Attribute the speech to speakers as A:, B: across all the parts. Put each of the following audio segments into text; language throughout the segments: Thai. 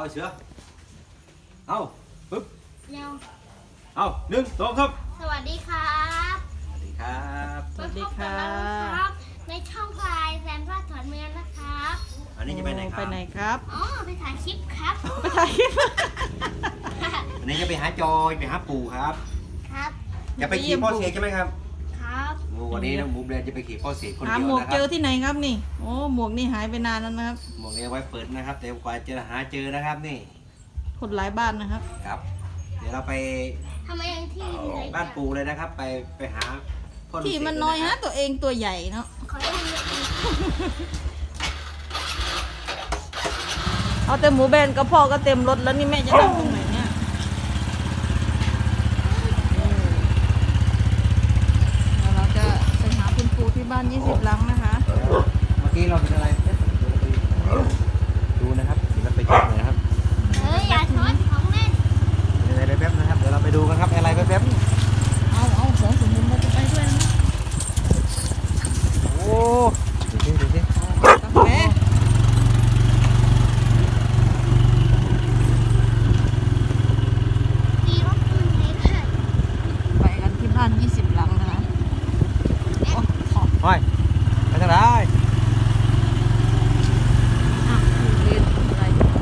A: เสือเอาปึ๊บ
B: เร็ว
A: เอา1 2ครับ
B: สวัสดีครับ
A: สวัสดีครับ
C: สวัสดีค่ะ
B: ครับในช่องพลายแซมพลาดถอนเมืองนะครับ
A: อันนี้จะไปไหนค
C: ไป
A: รับ
C: ไหนครับ
B: อ๋อไปถ่ายคลิปครับ
C: ไปถ่ายคลิป
A: อันนี้จะไปหาจอยไปหาปู่ครับ
B: ครับ
A: จะไปขี่พ่อเสกใช่ไหมครับ
B: ครับ
A: โอ้วันนี้น้องหมูแบรนด์จะไปขี่พ่อเสกคน
C: หา
A: เดียว
C: หมวก
A: นะค
C: เจ
A: รั
C: อบ ที่ไหนครับนี่โอ้หมวกนี่หายไปนานแล้วนะครับ
A: หมวกนี้เอาไว้เปิดนะครับแต่กว่าจะหาเจอนะครับนี่
C: คนหลายบ้านนะครับ
A: ครับ เดี๋ยวเราไป
B: ทำไมยังที่มีอะไร
A: บ้านปู่เลยนะครับ ไปหาพ่อ
C: ที่มันน้อยฮะตัวเองตัวใหญ่เนาะ
B: ขอให้มี
C: เอาแต่หมูแบนกับพ่อก็เต็มรถแล้วนี่แม่จะนั่งตรงไหนเนี่ยเดี๋ยวเราจะไปหาคุณปู่ที่บ้าน20หลังนะคะ
A: เมื่อกี้เราเป็นอะไรดูนะครับเดี๋ยวเราไปเช็คหน่อยนะครับ
B: อย่าช้อนของเล่น
A: อะไรแป๊บๆนะครับเดี๋ยวเราไปดูกันครับอะไรแป๊บๆ
C: เอาของสมมุติเราจะไปด้วยนะ
A: โอ้ดูสิ
C: กาแฟ
B: มีรถยนต์เล็กค่ะ
C: ไปกันที่บ้าน20หลังนะคะโอ้ขอ
A: ห้อยไปทางไหน
C: อ่ะเรียนอะไร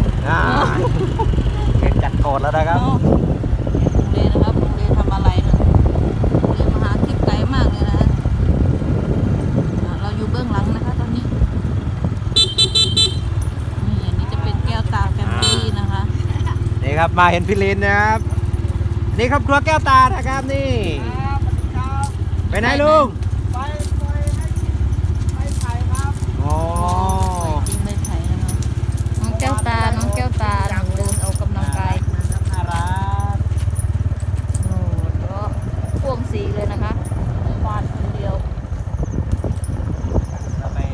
A: เกณฑ์จัดโกรธแล้วนะครับ
C: เรียนนะครับเรียนทำอะไรนะเรียนมาหาคลิปไกลมากเลยนะเราอยู่เบื้องหลังนะคะตอนนี้นี่อันนี้จะเป็นแก้วตาแฟมิลี่นะคะ
A: นี่ครับมาเห็นพี่ลินนะครับนี่ครับครัวแก้วตานะครับนี่ไปไหนลุงอ๋อ
C: จริงไม่ใช่นะคะน้องแก้วตาน้องแก้วตาเดินออกกำลังกาย
A: น่ารัก
C: โอ้ก็พ่วงสีเลยนะคะฟาดคนเดียว
A: เราไป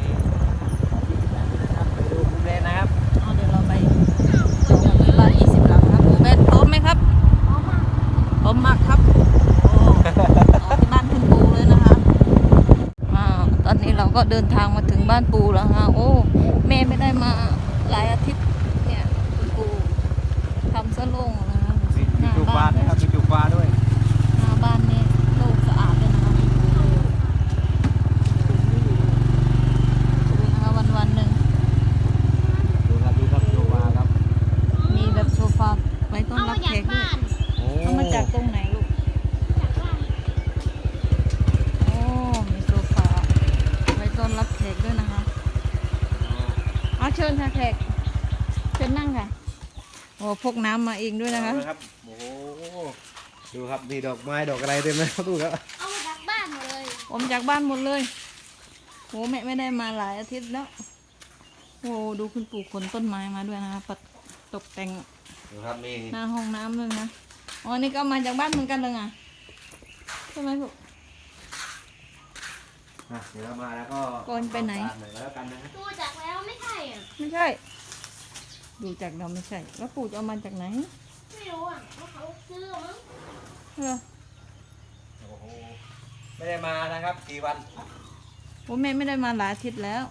A: ดูคุณเรนนะครับ
C: เอาเดี๋ยวเราไปดูที่บ้าน20หลังครับหมูแบนพร้อมไหมครับ
B: พร้อมมาก
C: พร้อมมากครับโอ้ต่อที่บ้านคุณปู่เลยนะคะตอนนี้เราก็เดินทางมาถึงบ้านปู่แล้วฮะโอ้แม่ไม่ได้มาหลายอาทิตย์เนี่ยคุณปู่ทำซะโล่งนะคะ
A: มี
C: หน้า
A: จุกปลา
C: บ้าน
A: นะครับมีจุกปลาด้วย
C: หน้าบ้านนี่โล่งสะอาดเลยนะคะดูนะคะวันๆหนึ่ง
A: ดูครับจุกปลาครับ
C: มีแบบโซฟาไว้ต้อน
B: เอา
C: รั
B: มา
C: บ
B: จา
C: แข
B: ก
C: กด้วย
B: บ้าน
A: โอ้
C: เอามาจากตรงไหนลูก
B: จากบ้าน
C: โอ้มีโซฟาไว้ต้อนรับแขกด้วยนะคะเอาเชิญค่ะแขกเชิญนั่งค่ะโอ้พกน้ำมาเองด้วยนะคะ
A: เอาเลยครับโอ้โหดูครับนี่ดอกไม้ดอกอะไรเต็มเลยครับดูครับ
B: เอามาจากบ้านหมดเลย
C: ผมจากบ้านหมดเลยโหแม่ไม่ได้มาหลายอาทิตย์แล้วโอ้ดูคุณปู่ขนต้นไม้มาด้วยนะคะปัดตกแต่ง
A: ดูครับนี่
C: หน้าห้องน้ำเลยนะอ๋อนี่ก็มาจากบ้านเหมือนกันเลยไงใช่ไหมลูก
A: เดี๋ยวเรามาแล้วก็
C: ก่อนไปไหน
A: ตามหน่อยแล้วกันนะฮะ
B: ดูจากแล้วไม่ใช่อ่ะ
C: ไม่ใช่ ดูจากเราไม่ใช่ แล้วปู่จะเอามาจากไหน
B: ไม่รู้อ่ะว่าเขาซื้อมั้ง
C: เหรอ
A: โอ้โหไม่ได้มานะครับกี่วัน
C: โอ้แม่ไม่ได้มาหลายอาทิตย์แล้ว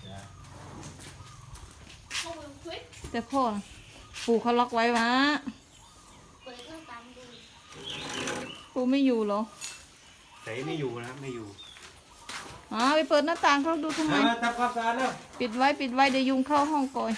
B: เขาเปิดคลิป
C: แต่พ่อน่ะปู่เขาล็อกไว้วะ
B: เปิดหน้าตามดู
C: ปู่ไม่อยู่เหรอ
A: แต่ไม่อยู่นะครับไม่อยู่
C: อ๋อไปเปิดหน้าต่างเขาดูทำไม
A: ทำความสะอาดแล้ว
C: ปิดไว้เดี๋ยวยุงเข้าห้องก่อย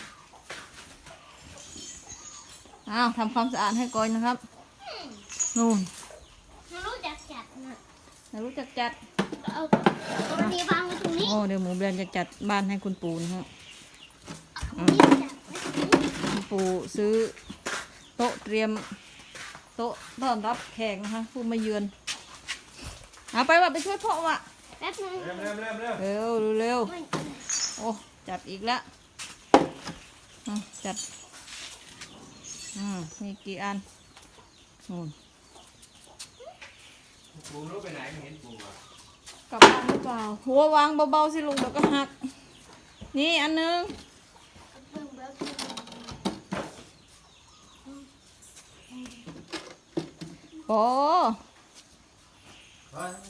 C: อ้าวทำความสะอาดให้ก่อยนะครับนู่น
B: ไม่รู้จักจัดนะ
C: ไม่รู้จักจัด
B: เอาตัวนี้วางไว้ตรงนี้
C: โอ้เดี๋ยวหมูแบรนด์จะจัดบ้านให้คุณปู่นะฮะ
B: เอาตรงนี้จัดไว้ตรงนี้
C: คุณปู่ซื้อโต๊ะเตรียมโต๊ะต้อนรับแขกนะคะผู้มาเยือนเอาไปว่ะไปช่วยพ่อว่ะ
B: แป๊บนึง
A: เริ่ม
C: เร็วเร็ว
B: ไม่
C: โอ้จัดอีกแล้วจัดมีกี่อันนู่น
A: ปูรู้ไปไหนไม่เห็นปูอ่ะ
C: กลับบ้านหรือเปล่าหัววางเบาๆสิลุงเดี๋ยวก็หักนี่อันนึง
B: เพิ่งเบิก
C: โอ้
A: เฮ้ย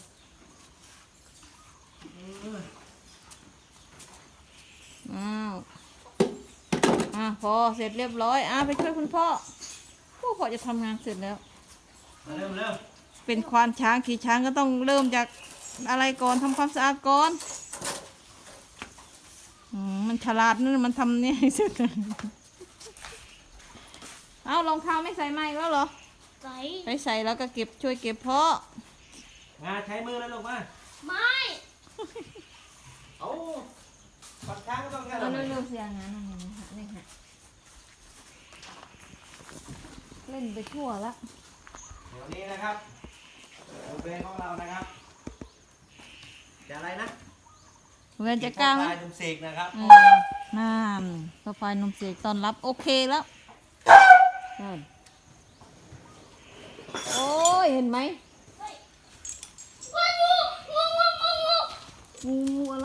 C: อ้าวพอเสร็จเรียบร้อยไปช่วยคุณพ่อพ่อจะทำงานเสร็จแล้ว
A: มาเร็วเร็ว
C: เป็นควานช้างขี่ช้างก็ต้องเริ่มจากอะไรก่อนทำความสะอาดก่อนมันฉลาดนั่นมันทำเนี่ยให้สุดเอารองเท้าไม่ใส่ไม้แล้วเหรอ
B: ใส่
C: ไปใส่แล้วก็เก็บช่วยเก็บพ่อ
A: มาใช้มือแล้วลูกมา
B: ไม่
A: เอาปัดช้างก็ต้องแค่
C: เอา
A: นั้น
C: เร็วๆเสียงานนี่ค่ะเล่นไปทั่วละ
A: เดี๋ยวนี้นะครับโอเบนของเรานะครับจะอะไรนะ
C: เวนจะกล้าไหม
A: ปลายดุมเสกนะครับ
C: นั่นกาแฟนมเสกตอนรับโอเคแล้วโอ้ยเห็นไหม งูอะไร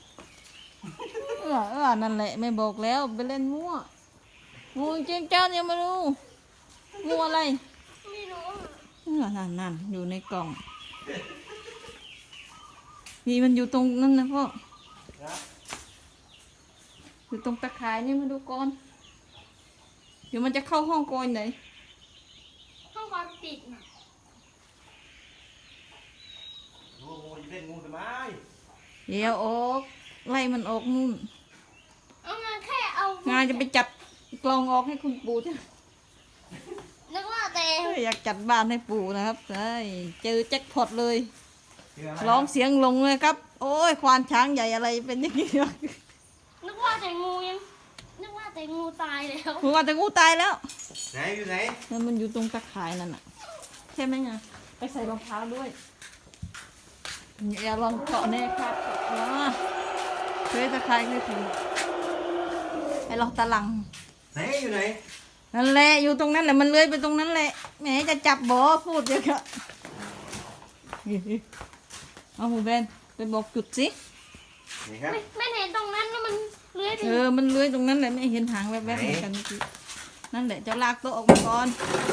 C: นั่นแหละไม่บอกแล้วไปเล่นมั่วงูจริงเจ้ายังไม่รู้งูอะไร
B: ไม่รู้
C: นั่นอยู่ในกล่องนี่มันอยู่ตรงนั้นนะพ่ออยู่ตรงตะข่ายนี่มาดูก่อนเดี๋ยวมันจะเข้าห้องก่อนไหน
B: ห้องความปิดน่ะ
A: งูจะเล่นงูทำไม
C: เดี๋ยวออกไล่มันออกนู่น
B: เอางานแค่เอา
C: งานจะไปจัดกล่องออกให้คุณปู่จ้ะ
B: นึกว่าแต่
C: อยากจัดบ้านให้ปู่นะครับเจอแจ็คพอตเลย
A: เชื่อไหม
C: ร้องเสียงลงเลยครับ โอ้ยควานช้างใหญ่อะไรเป็นอย่างนี้วะ
B: นึกว่าแต่งูยังนึกว่าแต่งูตายแล้ว
C: ผมว่าแต่งูตายแล้ว
A: ไหนอยู่ไหน
C: แล้วมันอยู่ตรงตะข่ายนั่นน่ะใช่ไหมไงไปใส่รองเท้าด้วยอย่าลองเกาะแน่ครับเคยตะข่ายเคยถึงไอ้ลองตะลัง
A: ไหนอยู่ไหน
C: นั่นแหละอยู่ตรงนั้นแหละมันเลื้อยไปตรงนั้นแหละแหมจะจับบ่พูดเยอะอะเอาหูแบนไปบอกจุดสิ
A: นี่ครับ
B: ไม่เห็นตรงนั้นนะมันเลื้อยไป
C: มันเลื้อยตรงนั้นแหละไม่เห็นหางแวบๆเหมือนกันเมื่อกี้นั่นแหละจะลากโต๊ะออกมาก่อน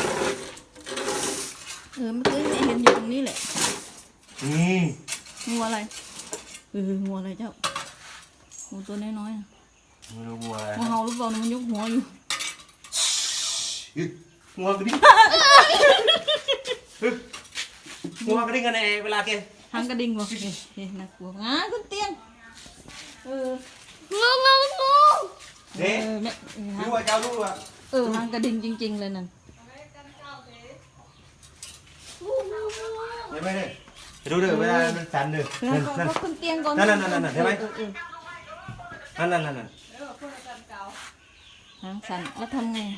C: เมื่อกี้ไม่เห็นอยู่ตรงนี้แหละ
A: นี่
C: งูอะไรงูอะไรเจ้างูตัวน้อยๆ
A: ไม่รู้งูอะไร
C: งูเห่าหรือเปล่ามันยกหัวอยู่
A: งูกระดิ่งงูกระดิ่งกันเองเวลาแก
C: หางกระดิ่งวะน่ากลัวขึ้นเตียง
B: งู
A: เด็ก
C: ไม่
A: รู้ว่าเจ้ารู้ว่า
C: หางกระดิ่งจริงๆเลยนั่น
A: เห็นไหมเนี่ยดูเด้อเวลามันสั่นเด้อ
C: ก็ขึ้นเตียงก่อน
A: นั่นเห็นไหมนั่น
C: หางสั่นแล้วทำไง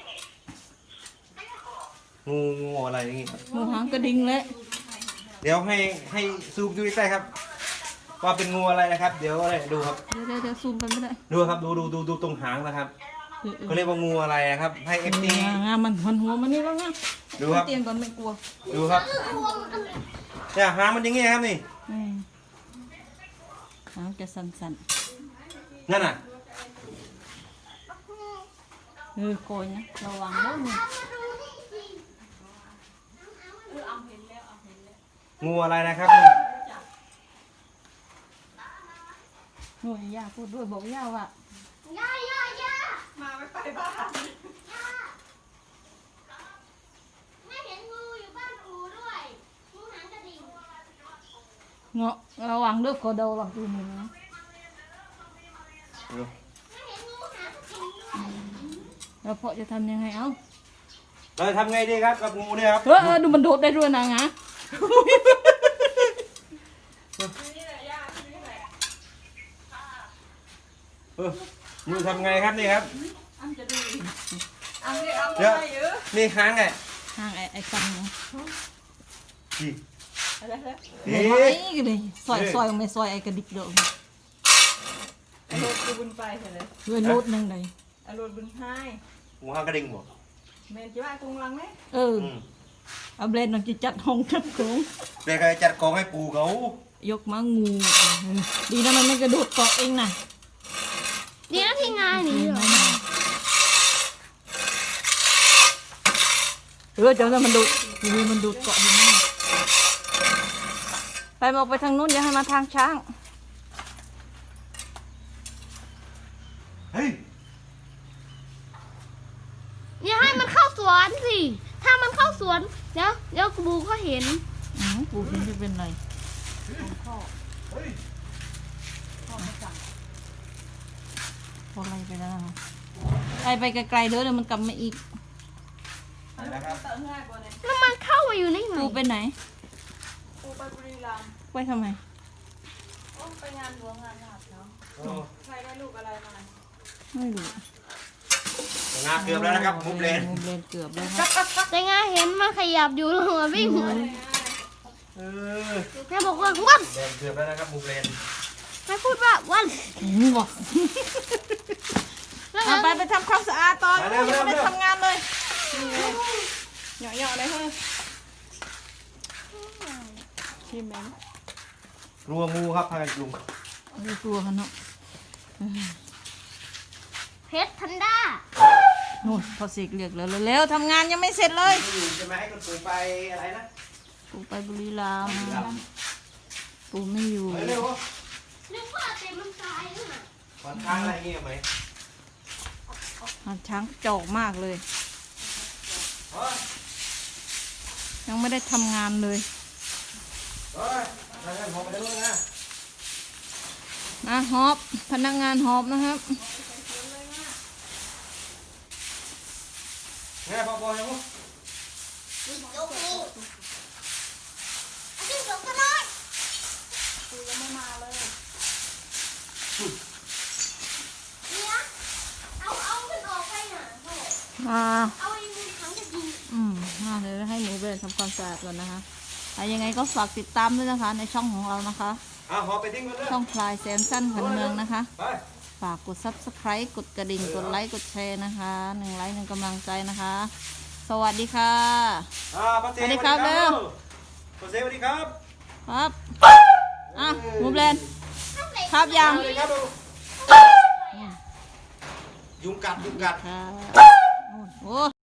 A: งูอะไรอย่างงี้
C: งูหางกระดิ่งเลย
A: เดี๋ยวให้ซูมดูใกล้ๆครับ ว่าเป็นงูอะไรนะครับ เดี๋ยวอะไรดูครับ
C: เดี๋ยวซูมไปไม่ได้
A: ดูครับดูตรงหางนะครับเขาเรียกว่างูอะไรครับ ให้เอฟซี
C: มันหัวมันนี่แล้วนะ
A: ดูครับ
C: เตียงก่อนไม่กลัว
A: ดูครับเนี่ยหางมันอย่างงี้ครับนี่
C: หางจะสั่น
A: นั่นน่ะ
C: ๆโกยนะระวังแล้วมึง
A: งูอะไรนะครับ
C: โอ้ยย่าพูดด้วยบอกย่าว่า
B: ย่า
D: มาไม่ไปบ้าน
B: ไม่เห็นงูอยู่บ้านอูด้วยงูหางกระดิ่ง
C: เงาะระวังด้วยคอเดาหลังตัวนี้นะ
B: ไม่เห็นงูหางกระดิ่งด้วย
C: แล้วพ่อจะทำยังไงเอ้า
A: เราทำไงดีครับกับงูเนี่ยครับ
C: ดูมันโดดได้ด้วยนะงะ
A: งูทำไงครับนี่ครับ
D: อันจะดูอันนี้เอา
A: เดี๋ยว
D: ไปเยอะ
A: นี่หางไง
C: ห่างไอ้ฟังเนาะ
A: นี่
D: อะไรฮะ
C: ไอ้กันเลยซอยไม่ซอยไอ้กระดิกเด้อ
D: อารมณ์บุญไปเถอะเลย
C: ด้วยโลดนึงเลย
D: อารมณ์บุญให้
A: งูหางกระดิ่งหมด
D: แม่จะว่าตรงหลังไหม
C: เอาเบรนหน่อยจะจัดห้องจัดโค้ง
A: เด็กจะจัดกองให้ปูเขา
C: ยกมางูดีนะมันไม่กระโดดเกาะเองนะ
B: เดี๋ยวที่งานนี่เหรอ
C: เจ้ามันดูมันดูเกาะอยู่นะไปออกไปทางนู้นอย่าให้มาทางช้าง
A: เฮ้ย
B: วนสิ ถ้ามันเข้าสวนเดี๋ยวบูก็เห็น
C: ปูเห็นจะเป็นไรพอไล่ไปแล้วนะคะไล่ไปไกลๆเด้อเดี๋ยวมันกลับมาอีก
A: นะครับ
D: เติมง่ายกว่าเนี่ย
B: แล้วมันเข้ามาอยู่ในไหน
C: ปูไปไหน
D: ปูไปบุรีรัมย์
C: ไปทำไม
D: โอ้ไปงานหลวงงานหลับเนาะ
A: โอ้
D: ใครได้ลูกอะไรมา
C: ไม่รู้
A: งาเกือบแล้วนะครับมุมเลน
C: มุมเลนเกือบแล้วครับ
B: แต่งาเห็นมันขยับอยู่แล้วมันวิ่ง
A: เออ
B: แม่บอกว่าวัน
A: เลนเกือบแล้วนะครับมุมเลน
B: แม่พูดว่าวัน
C: บอก
B: แล้ว
C: เอา
B: งั้น
C: ไปทำความสะอาดตอนยังไม่ได้ทำงานเลยเหยาะๆเลยเฮ้ยชิมไหม
A: กลัวงูครับพากันยุง
C: ดูตัวกันเนาะ
B: เพชรทันด้า
C: นู่นพอสิกเรียกแล้วเร็วๆทำงานยังไม่เสร็จเลย
A: ไม่อยู่จะมาให้คุณปู่ไปอะไรนะ
C: ปูไปบุรีรัมย์ปูไม่อยู่
A: ไปเร็ว
B: นึกว่าเต็มมันตายแล้วน่ะ
A: ขอนข้างอะไรเงี้ยไหม
C: หาช้างจอกมากเลย
A: เฮ้ย
C: ยังไม่ได้ทำงานเลย
A: เฮ้ยนั่นผมไปได้เลยนะ
C: นะฮอบพนักงานฮอบนะครับ
A: แม่พอยังมั้ง
B: ยกนี่จิ้งจกก็น้อย
D: ปูยังไม่มาเลย
B: เนี่ยเอามันออกไปน่ะพ่อ เอาไอ้มือถังจะยิง
C: มาเลยให้หนูไปทำความสะอาดก่อนนะคะยังไงก็ฝากติดตามด้วยนะคะ ในช่องของเรานะคะ
A: หอไปทิ้งกันเลย
C: ช่องพลายแซมสั้นขันเมืองนะคะ
A: ไป
C: ฝากกด subscribe กดกระดิ่ง กดไลค์ กดแชร์นะคะ1 ไลค์ 1 กำลังใจนะคะ สวัสดีค่ะ
A: ป้าเซ
C: สวัสดีครับเร็ว
A: ป้าเซสวัสดีครับ
C: ครับมูแลนด์ครับยัง
A: สวัสดีครับยุงกัด
C: ค่ะโอ้